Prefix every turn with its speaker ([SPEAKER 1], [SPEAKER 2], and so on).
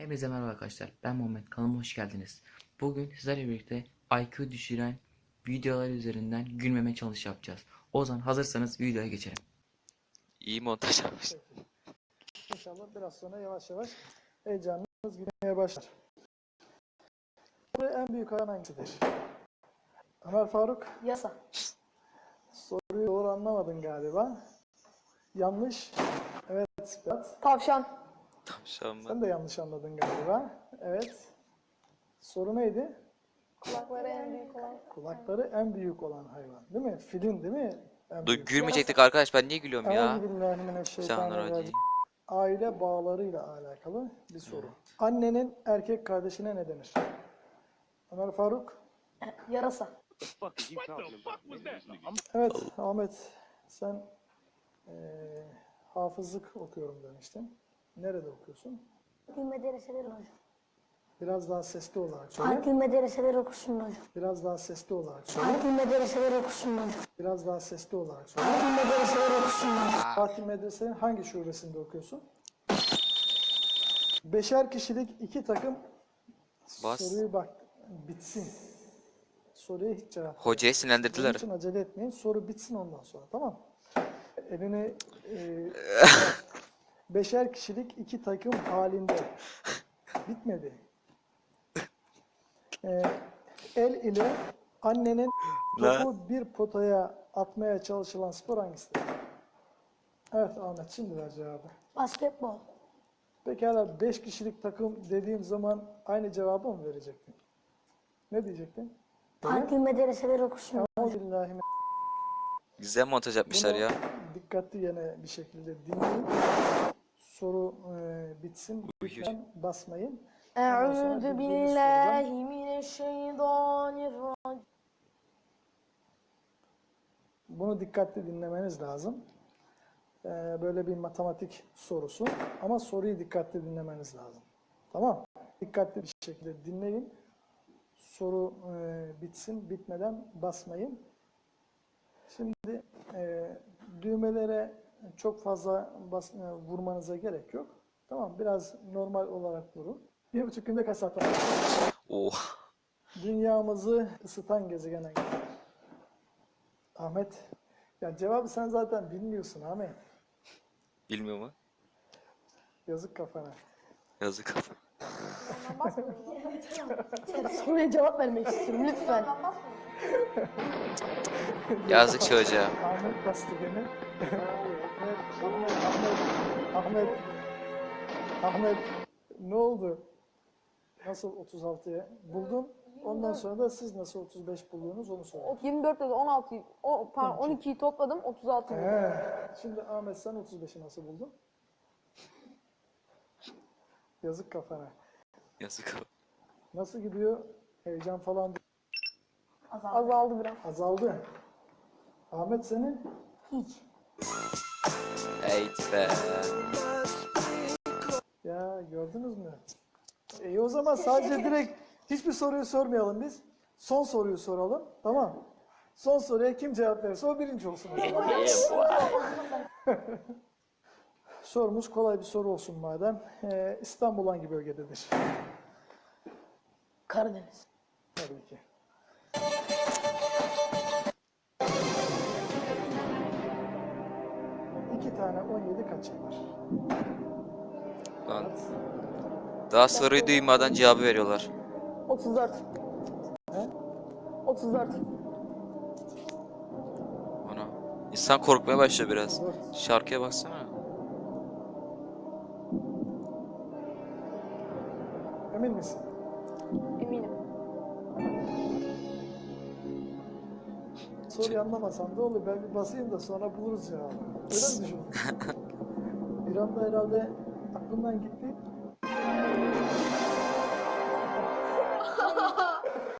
[SPEAKER 1] Hepinize merhaba arkadaşlar. Ben Muhammed. Kanalıma hoş geldiniz. Bugün sizlerle birlikte IQ düşüren videolar üzerinden gülmeme çalış yapacağız. O zaman hazırsanız videoya geçelim.
[SPEAKER 2] İyi montaj yapmış.
[SPEAKER 3] Peki. İnşallah biraz sonra yavaş yavaş heyecanınız gitmeye başlar. En büyük hayvan hangisidir? Ömer Faruk,
[SPEAKER 4] Yasa.
[SPEAKER 3] soruyu doğru anlamadın galiba. Yanlış. Evet, Berat.
[SPEAKER 4] Tavşan.
[SPEAKER 2] Tavşan mı?
[SPEAKER 3] Sen de yanlış anladın galiba. Evet. Soru neydi?
[SPEAKER 4] Kulakları en büyük olan.
[SPEAKER 3] Kulakları en büyük olan hayvan. Değil mi? Filin değil mi? En büyük.
[SPEAKER 2] Gülmeyecektik arkadaş, ben niye gülüyorum ya?
[SPEAKER 3] Euzubillahimineşşeytanirracim. Aile bağlarıyla alakalı bir soru. Annenin erkek kardeşine ne denir? Ömer Faruk.
[SPEAKER 4] Yarasa.
[SPEAKER 3] Evet Ahmet, sen hafızlık okuyorum demiştin. Nerede okuyorsun?
[SPEAKER 5] Akil medreseleri hocam.
[SPEAKER 3] Biraz daha sesli olarak söyle.
[SPEAKER 5] Akil medreseleri okusun hocam.
[SPEAKER 3] Biraz daha sesli olarak söyle.
[SPEAKER 5] Akil medreseleri okusun hocam.
[SPEAKER 3] Biraz daha sesli olarak söyle.
[SPEAKER 5] Akil medreseleri okusun hocam.
[SPEAKER 3] Fatih Medrese'nin hangi şubesinde okuyorsun? Beşer kişilik iki takım.
[SPEAKER 2] Bas.
[SPEAKER 3] Soruyu bak bitsin. Soruya hiç cevap
[SPEAKER 2] Hocayı
[SPEAKER 3] Bunun
[SPEAKER 2] sinirlendirdiler.
[SPEAKER 3] için acele etmeyin. Soru bitsin ondan sonra, tamam. Elini beşer kişilik iki takım halinde. Bitmedi. El ile annenin topu bir potaya atmaya çalışılan spor hangisidir? Evet Ahmet, şimdi ver cevabı.
[SPEAKER 5] Basketbol.
[SPEAKER 3] Pekala 5 kişilik takım dediğim zaman aynı cevabı mı verecektin? Ne diyecektin?
[SPEAKER 5] Akil medreseleri okusun hocam.
[SPEAKER 3] Euzubillahimineşşeytanirracim.
[SPEAKER 2] Güzel montaj yapmışlar ya.
[SPEAKER 3] Dikkatli yine bir şekilde dinleyin. Soru bitsin. Lütfen basmayın.
[SPEAKER 4] Eûzü billahi mineşşeytanirracim.
[SPEAKER 3] Bunu dikkatli dinlemeniz lazım. Böyle bir matematik sorusu. Ama soruyu dikkatli dinlemeniz lazım. Tamam. Dikkatli bir şekilde dinleyin. Soru bitsin. Bitmeden basmayın. Şimdi düğmelere çok fazla vurmanıza gerek yok. Tamam. Biraz normal olarak vurun. 1,5 günde kaç saat var?
[SPEAKER 2] Oh.
[SPEAKER 3] Dünyamızı ısıtan gezegen hangisi? Ahmet. Ya cevabı sen zaten bilmiyorsun Ahmet.
[SPEAKER 2] Bilmiyor mu?
[SPEAKER 3] Yazık kafana.
[SPEAKER 2] Yazık.
[SPEAKER 4] Soruya cevap vermek istiyorum lütfen.
[SPEAKER 2] Yazık çocuğa.
[SPEAKER 3] Ahmet bastı beni. Ahmet. Ne oldu? Nasıl 36'ya buldun? Ondan sonra da siz nasıl 35 buldunuz onu söyleyin.
[SPEAKER 4] 24 dedi 16, pardon 12'yi topladım 36 buldum.
[SPEAKER 3] Şimdi Ahmet sen 35'i nasıl buldun? Yazık kafana.
[SPEAKER 2] Yazık.
[SPEAKER 3] Nasıl gidiyor? Heyecan falan
[SPEAKER 4] Azaldı biraz.
[SPEAKER 3] azaldı. Ahmet senin?
[SPEAKER 5] Hiç.
[SPEAKER 2] Eğit be.
[SPEAKER 3] Ya gördünüz mü? İyi o zaman sadece direkt hiçbir soruyu sormayalım biz. Son soruyu soralım. Tamam. Son soruya kim cevap verirse o birinci olsun. O zaman. Sorumuz kolay bir soru olsun madem. İstanbul hangi bölgededir?
[SPEAKER 4] Karadeniz.
[SPEAKER 3] Tabii ki. İki tane 17 kaç yapar?
[SPEAKER 2] Lan. Daha soruyu duymadan cevabı veriyorlar.
[SPEAKER 4] 34.
[SPEAKER 3] He?
[SPEAKER 4] 34.
[SPEAKER 2] Ana. İnsan korkmaya başlıyor biraz.
[SPEAKER 3] Dört.
[SPEAKER 2] Şarkıya baksana.
[SPEAKER 3] Emin misin?
[SPEAKER 4] Eminim.
[SPEAKER 3] Soruyu anlamasan da olur. Ben bir basayım da sonra buluruz cevabı. Öyle mi düşünüyorsun? Bir anda herhalde aklımdan gitti.